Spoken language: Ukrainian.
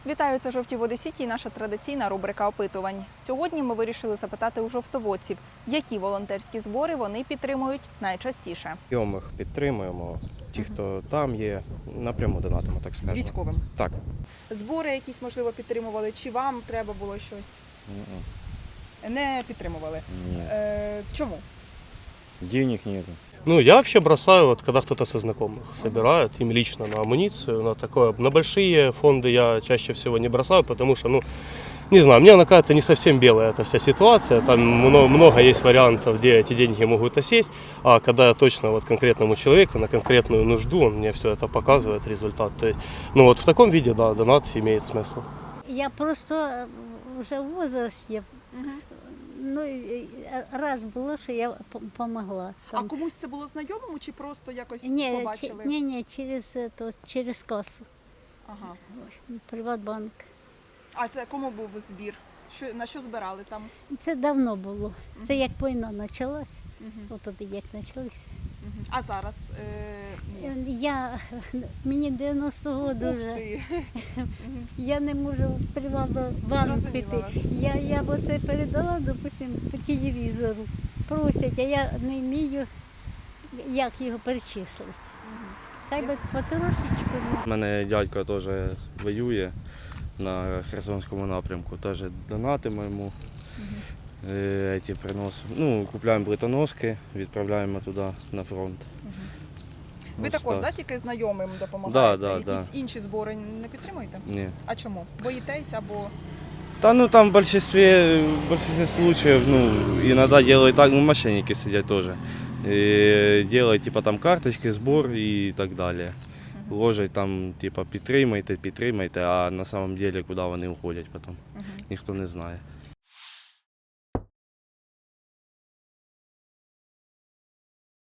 Вітаю, це «Жовті води Сіті» і наша традиційна рубрика опитувань. Сьогодні ми вирішили запитати у жовтоводців, які волонтерські збори вони підтримують найчастіше. Знайомих підтримуємо, ті, хто там є, напряму донатимо, так скажемо. Військовим. Так. Збори якісь, можливо, підтримували, чи вам треба було щось? Не підтримували. Чому? Денег нету. Я вообще бросаю, когда кто-то со знакомых собирает, им лично на амуницию, на такое. На большие фонды я чаще всего не бросаю, потому что, не знаю, мне она кажется не совсем белая эта вся ситуация. Там много есть вариантов, где эти деньги могут осесть, а когда я точно конкретному человеку на конкретную нужду, он мне все это показывает, результат. То есть, в таком виде, да, донат имеет смысл. Я просто вже в возрасті. Раз було, що я допомогла. А комусь це було знайомому, чи просто якось Ні, побачили? Ні, через касу, Ага. Приватбанк. А це кому був збір? На що збирали там? Це давно було. Це як війна почалась. От тоді як почалась. А зараз? Мені 90 років Ух вже. ти. Я не можу в Приватбанк Зрозуміла піти. вас. Я оце передала, допустим, по телевізору. Просять, а я не вмію, як його перечислити. Хай би потрошечку. У мене дядько теж воює на Херсонському напрямку, теж донатимо йому. Купуємо плитоноски, відправляємо туди на фронт. Ви Ось також, так. тільки знайомим допомагаєте? Да. Якісь інші збори не підтримуєте? Ні. А чому? Боїтесь або... Там в большинстве случаев, иногда делают так, мошенники сидят тоже. Делают там карточки, сбор и так далее. Ложать там, підтримайте, а на самом деле куди вони уходять потім, ніхто не знає.